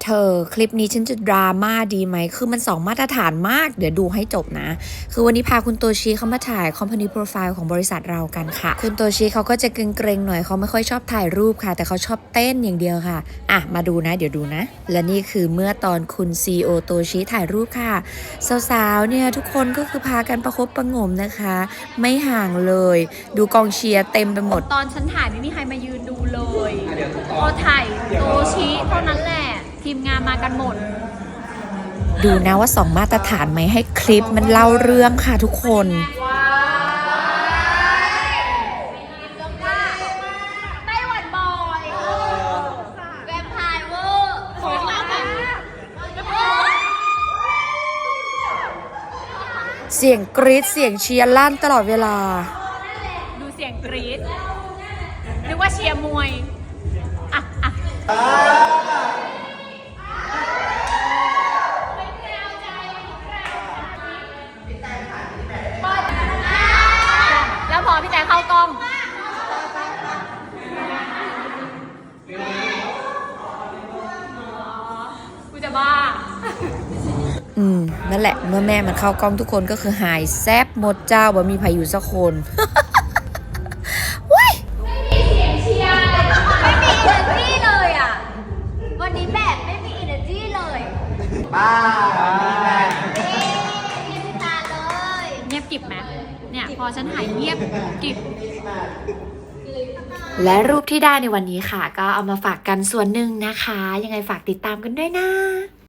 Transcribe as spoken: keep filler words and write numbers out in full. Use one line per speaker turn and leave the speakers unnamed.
เธอคลิปนี้ฉันจะดราม่าดีไหมคือมันสองมาตรฐานมากเดี๋ยวดูให้จบนะคือวันนี้พาคุณโตชิเข้ามาถ่าย Company Profile ของบริษัทเรากันค่ะคุณโตชิเขาก็จะเกรงๆหน่อยเขาไม่ค่อยชอบถ่ายรูปค่ะแต่เขาชอบเต้นอย่างเดียวค่ะอ่ะมาดูนะเดี๋ยวดูนะและนี่คือเมื่อตอนคุณ ซี อี โอ โตชิถ่ายรูปค่ะสาวๆเนี่ยทุกคนก็คือพากันประคบประหงมนะคะไม่ห่างเลยดูกองเชียร์เต็มไปหมด
ตอนฉันถ่ายไม่มีใครมายืนดูเลยพอถ่ายโตชิเท่านั้นแหละทีมงานมากันหมด
ดูนะว่าสองมาตรฐานไหมให้คลิปมันเล่าเรื่องค่ะทุกคน
ไต้หวันบอยแวมไพร์เวอร์ขอเล่าแบบ
เสียงกรี๊ดเสียงเชียร์ลั่นตลอดเวลา
ดูเสียงกรี๊ดนึกว่าเชียร์มวยอ่ะอ่ะแล้วพอพี่แต่เข้ากล้องกูจะบ้า
อืมนั่นแหละเมื่อแม่มันเข้ากล้องทุกคนก็คือหายแซบหมดเจ้าบ่มีใครอยู่สักคนว้าย
ไม่มีเสียงเชียร์ไม่มี energy เลยอ่ะวันนี้แบบไม่มี energy เลยป้าเงียบตาเลยเงียบกิบไหมเนี่ยพอฉันหายเงียบกิบ
และรูปที่ได้ในวันนี้ค่ะก็เอามาฝากกันส่วนหนึ่งนะคะยังไงฝากติดตามกันด้วยนะ